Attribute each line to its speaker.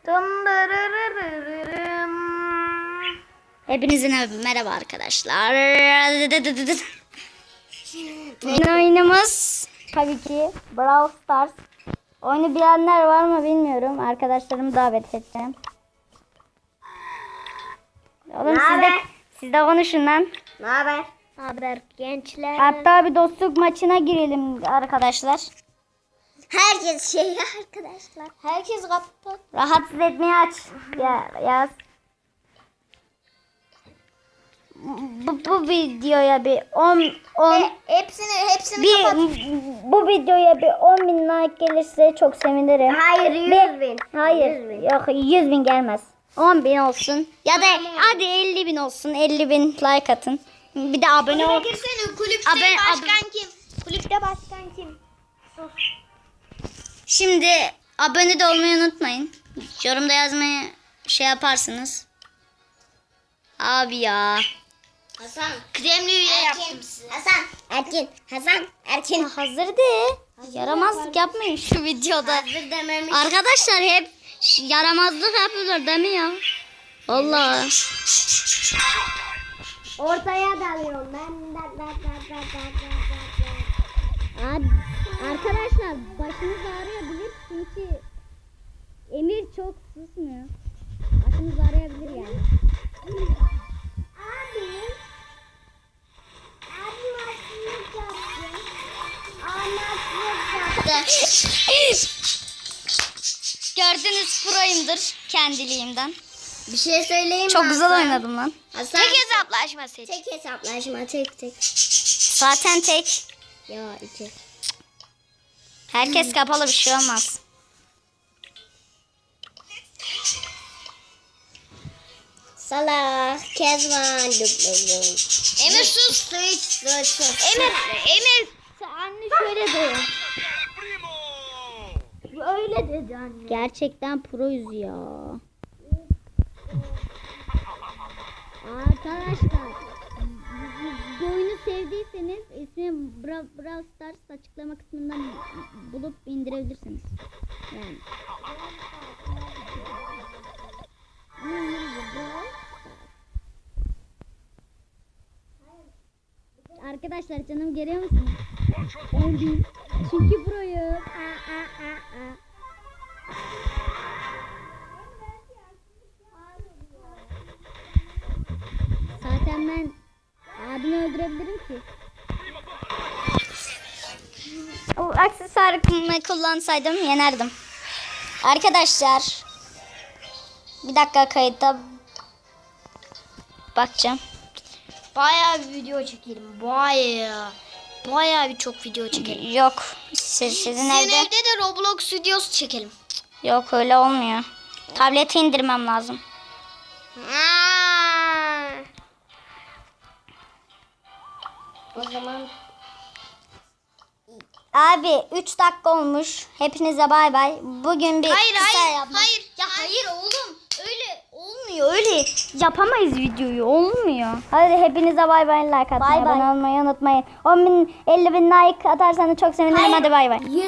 Speaker 1: Hepinize merhaba arkadaşlar. Oyunumuz tabii ki Brawl Stars. Oyunu bilenler var mı bilmiyorum. Arkadaşlarımı davet edeceğim. Oğlum siz de konuşun lan.
Speaker 2: Ne haber? Ne haber gençler?
Speaker 1: Hatta bir dostluk maçına girelim arkadaşlar.
Speaker 2: Herkes arkadaşlar. Herkes kapat.
Speaker 1: Rahatsız etmeyi aç. Yaz. Bu videoya bir 10
Speaker 2: Hepsini
Speaker 1: bir
Speaker 2: kapat.
Speaker 1: bu videoya bir 10.000 like gelirse çok sevinirim.
Speaker 2: Hayır 100.000.
Speaker 1: Hayır
Speaker 2: 100.000.
Speaker 1: yok 100.000 gelmez. 10.000 olsun ya da hadi 50.000 olsun. 50.000 like atın. Bir de abone ol.
Speaker 2: Girsene kulüpte başkan kim? Kulüpte başkan kim?
Speaker 1: Şimdi abone de olmayı unutmayın. Yorumda yazmayı şey yaparsınız. Abi ya.
Speaker 2: Hasan. Kremli üye yaptım size. Hasan. Erkin.
Speaker 1: Hazır de. Yaramazlık yapmayın şu videoda.
Speaker 2: Hazır dememiş.
Speaker 1: Arkadaşlar hep yaramazlık yapıyorlar değil mi ya? Allah.
Speaker 2: Ortaya dalıyorum ben.
Speaker 1: Abi, arkadaşlar başınız ağrıyabilir çünkü Emir çok susmuyor. Başınız ağrıyabilir yani. Gördüğünüz proyumdur kendiliğimden.
Speaker 2: Bir şey söyleyeyim mi?
Speaker 1: Çok güzel
Speaker 2: Hasan?
Speaker 1: oynadım lan.
Speaker 2: Hasan.
Speaker 1: Tek hesaplaşma seç.
Speaker 2: Tek hesaplaşma tek.
Speaker 1: Zaten tek.
Speaker 2: Ya iki.
Speaker 1: Herkes kapalı bir şey olmaz.
Speaker 2: Salah, Kezban, Emir sus. Emir.
Speaker 1: Anne şöyle de.
Speaker 2: Öyle dedi anne.
Speaker 1: Gerçekten proyuz ya. Arkadaşlar bu oyunu sevdiyseniz ismi Brawl Stars açıklama kısmından bulup indirebilirsiniz. Yani. Arkadaşlar canım görüyor musunuz? Öldüm. Çünkü proyum. Zaten ben abimi öldürebilirim ki. O aksesuarımı kullansaydım yenerdim. Arkadaşlar bir dakika kayıtta bakacağım.
Speaker 2: Bayağı bir video çekelim. Bayağı bir çok video çekelim.
Speaker 1: Yok sizin evde.
Speaker 2: Evde de Roblox videosu çekelim.
Speaker 1: Yok öyle olmuyor. Tableti indirmem lazım.
Speaker 2: O zaman
Speaker 1: Abi 3 dakika olmuş. Hepinize bay bay. Bugün bir
Speaker 2: hayır.
Speaker 1: Ya hayır oğlum. Öyle olmuyor. Öyle yapamayız videoyu. Olmuyor. Hadi hepinize bay bay, like atmayı, abone olmayı unutmayın. 10.000 50.000 like atarsanız çok sevinirim. Hadi bay bay.